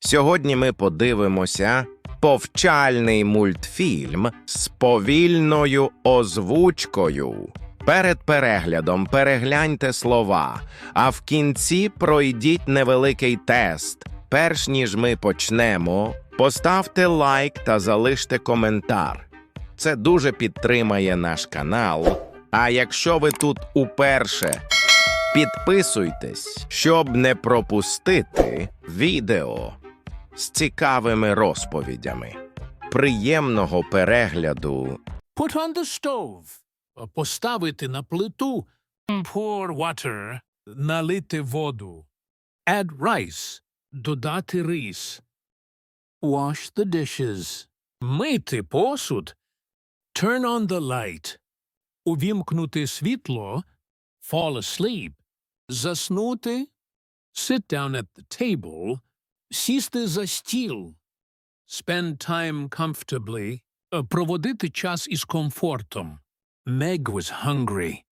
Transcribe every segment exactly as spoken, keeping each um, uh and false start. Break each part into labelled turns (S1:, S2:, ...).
S1: Сьогодні ми подивимося повчальний мультфільм з повільною озвучкою. Перед переглядом перегляньте слова, а в кінці пройдіть невеликий тест. Перш ніж ми почнемо, поставте лайк та залиште коментар. Це дуже підтримає наш канал. А якщо ви тут уперше, підписуйтесь, щоб не пропустити відео з цікавими розповідями. Приємного перегляду!
S2: Put on the stove. Поставити на плиту. Pour water. Налити воду. Add rice. Додати рис. Wash the dishes. Мити посуд. Turn on the light. Увімкнути світло. Fall asleep. Заснути. Sit down at the table. Сісти за стіл. Spend time comfortably. Проводити час із комфортом. Meg was hungry.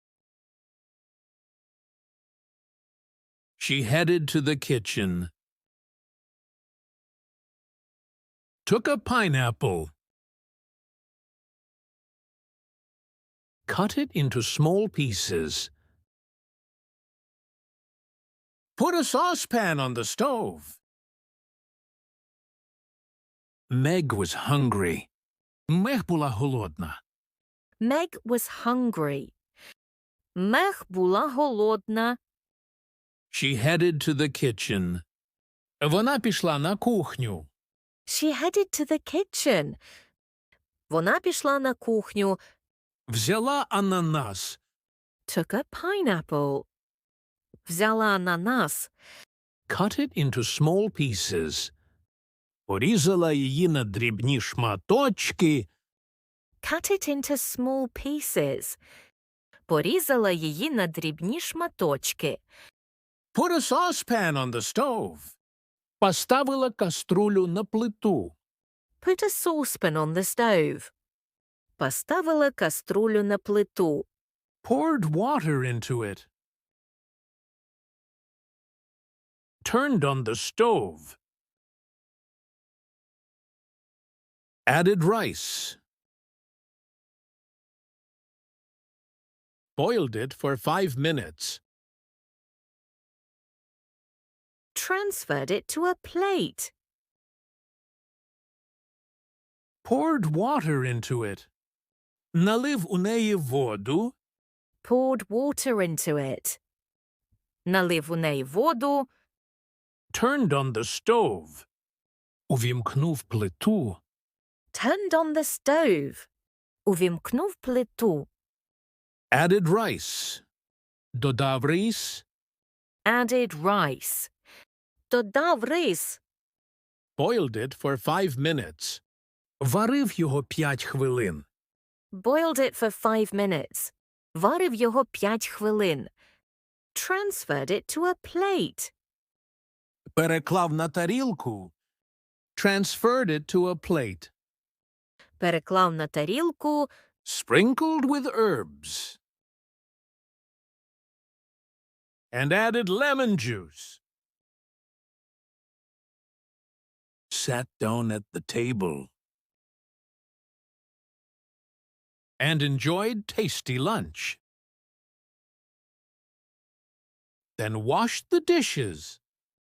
S2: She headed to the kitchen. Took a pineapple. Cut it into small pieces. Put a saucepan on the stove. Meg was hungry. Мег була голодна.
S3: Meg was hungry. Мег була голодна.
S2: She headed to the kitchen. Вона пішла на кухню.
S3: She headed to the kitchen. Вона пішла на кухню.
S2: Взяла ананас.
S3: Took a pineapple. Взяла ананас.
S2: Cut it into small pieces. Порізала її на дрібні шматочки.
S3: Cut it into small pieces. Порізала її на дрібні шматочки.
S2: Put a saucepan on the stove. Поставила каструлю на плиту.
S3: Put a saucepan on the stove. Поставила каструлю на плиту.
S2: Poured water into it. Turned on the stove. Added rice. Boiled it for five minutes.
S3: Transferred it to a plate.
S2: Poured water into it. Налив у неї воду.
S3: Poured water into it. Налив у неї воду.
S2: Turned on the stove. Увімкнув плиту.
S3: Turned on the stove. Увімкнув плиту.
S2: Added rice. Додав рис.
S3: Added rice. Додав рис.
S2: Boiled it for five minutes. Варив його п'ять хвилин.
S3: Boiled it for five minutes. Варив його п'ять хвилин. Transferred it to a plate.
S2: Переклав на тарілку. Transferred it to a plate.
S3: Переклав на тарілку.
S2: Sprinkled with herbs. And added lemon juice. Sat down at the table. And enjoyed tasty lunch. Then washed the dishes.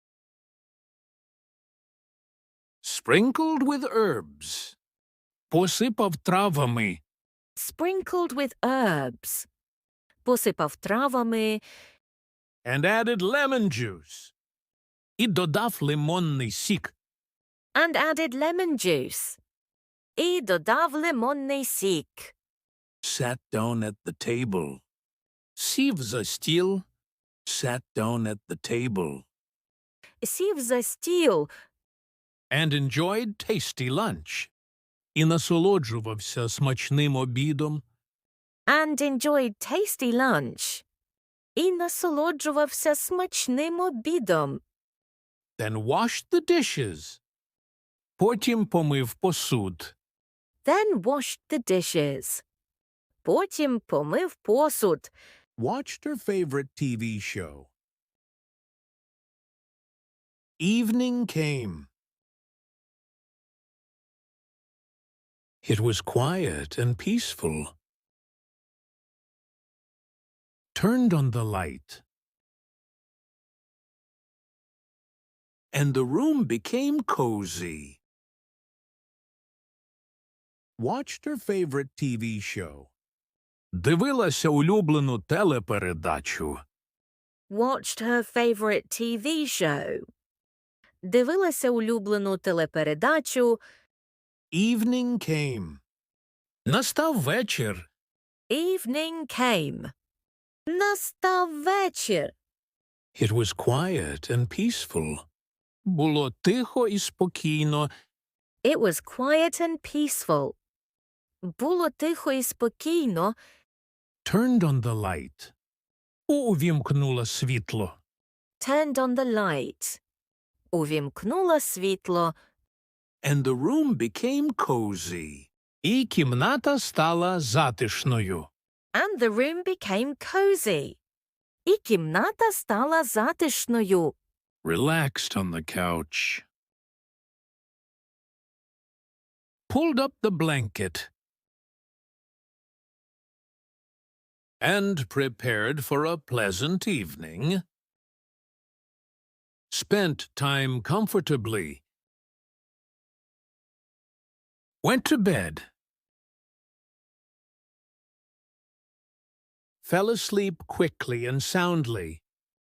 S2: Sprinkled with herbs. Посипав травами.
S3: Sprinkled with herbs. Посипав травами.
S2: And added lemon juice. І додав лимонний сік.
S3: And added lemon juice. І додав лимонний сік.
S2: Sat down at the table. Сів за стіл. Sat down at the table.
S3: Сів за стіл.
S2: And enjoyed tasty lunch. І насолоджувався смачним обідом.
S3: And enjoyed tasty lunch. І насолоджувався смачним обідом.
S2: Then washed the dishes. Потім помив посуд.
S3: Then washed the dishes. Потім помив посуд.
S2: Watched her favorite T V show. Evening came. It was quiet and peaceful. Turned on the light, and the room became cozy. Watched her favorite T V show. Дивилася улюблену телепередачу.
S3: Watched her favorite T V show. Дивилася улюблену телепередачу.
S2: Evening came. Настав вечір.
S3: Evening came. Настав вечір.
S2: It was quiet and peaceful. Було тихо і спокійно.
S3: It was quiet and peaceful. Було тихо і спокійно.
S2: Turned on the light. Увімкнула світло.
S3: Turned on the light. Увімкнула світло.
S2: And the room became cozy. І кімната стала затишною.
S3: And the room became cozy. І кімната стала затишною.
S2: Relaxed on the couch. Pulled up the blanket. And prepared for a pleasant evening. Spent time comfortably. Went to bed. Fell asleep quickly and soundly.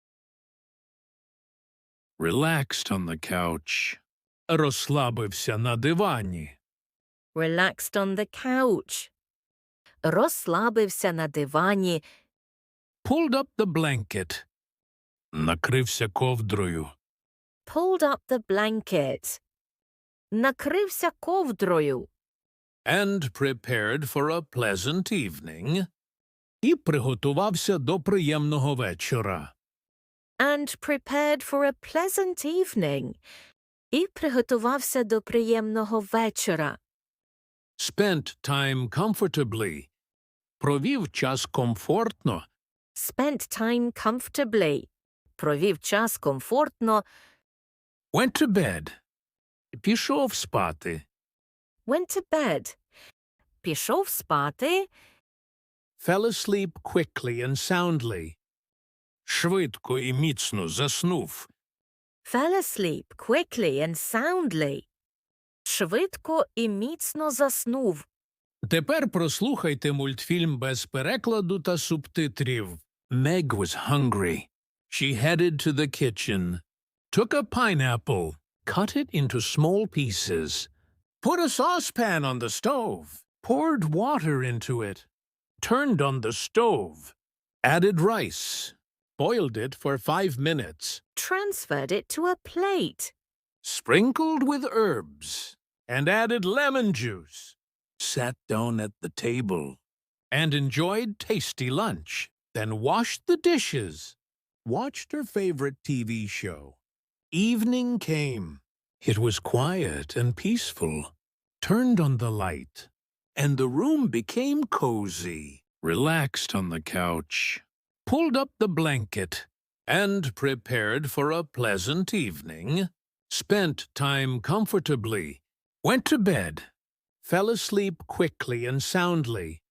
S2: Relaxed on the couch. Розслабився на дивані.
S3: Relaxed on the couch. Розслабився на дивані.
S2: Pulled up the blanket. Накрився ковдрою.
S3: Pulled up the blanket. Накрився ковдрою.
S2: And prepared for a pleasant evening. І приготувався до приємного вечора.
S3: And prepared for a pleasant evening. І приготувався до приємного вечора.
S2: Spent time comfortably. Провів час комфортно.
S3: Spent time comfortably. Провів час комфортно.
S2: Went to bed. Пішов спати.
S3: Went to bed. Пішов спати.
S2: Fell asleep quickly and soundly. Швидко і міцно заснув.
S3: Fell asleep quickly and soundly. Швидко і міцно заснув.
S2: Тепер прослухайте мультфільм без перекладу та субтитрів. Meg was hungry. She headed to the kitchen, took a pineapple, cut it into small pieces, put a saucepan on the stove, poured water into it, turned on the stove, added rice, boiled it for five minutes,
S3: Transferred it to a plate.
S2: sprinkled with herbs, and added lemon juice, sat down at the table, and enjoyed tasty lunch, then washed the dishes, watched her favorite T V show. Evening came. It was quiet and peaceful. Turned on the light, and the room became cozy. Relaxed on the couch, pulled up the blanket, and prepared for a pleasant evening. Spent time comfortably. Went to bed. Fell asleep quickly and soundly.